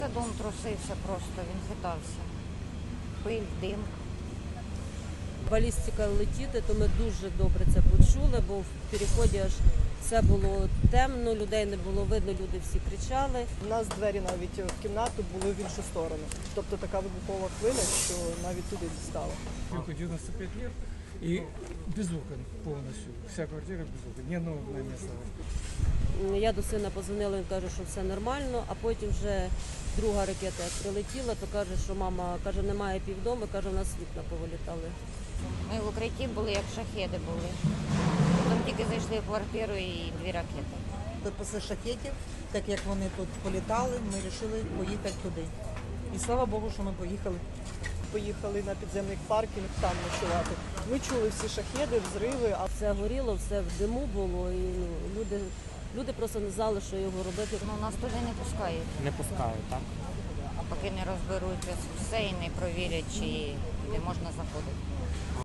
Дом трусився просто, він хитався. Пиль, дим. Балістика летіти, то ми дуже добре це почули, бо в переході аж все було темно, людей не було видно, люди всі кричали. У нас двері навіть в кімнату були в іншу сторону. Тобто така вибухова хвиля, що навіть туди дістала. Юку 95 лет и без окон полностью. Вся квартира без окон. Ни одного окна не осталось. Я до сина позвонила, він каже, що все нормально, а потім вже друга ракета як прилетіла, то каже, що мама каже, немає півдому, каже, у нас вікна повилітали. Ми в укритті були, як шахеди були. Потім тільки зайшли в квартиру і 2 ракети. Після шахетів, так як вони тут політали, ми вирішили поїхати туди. І слава Богу, що ми поїхали. Поїхали на підземний паркінг там ночувати. Ми чули всі шахеди, взриви, а Все горіло, все в диму було, і люди просто не знали, що його робити. Ну, нас туди не пускають, Не пускають, так? поки не розберуться все і не провірять, чи де можна заходити.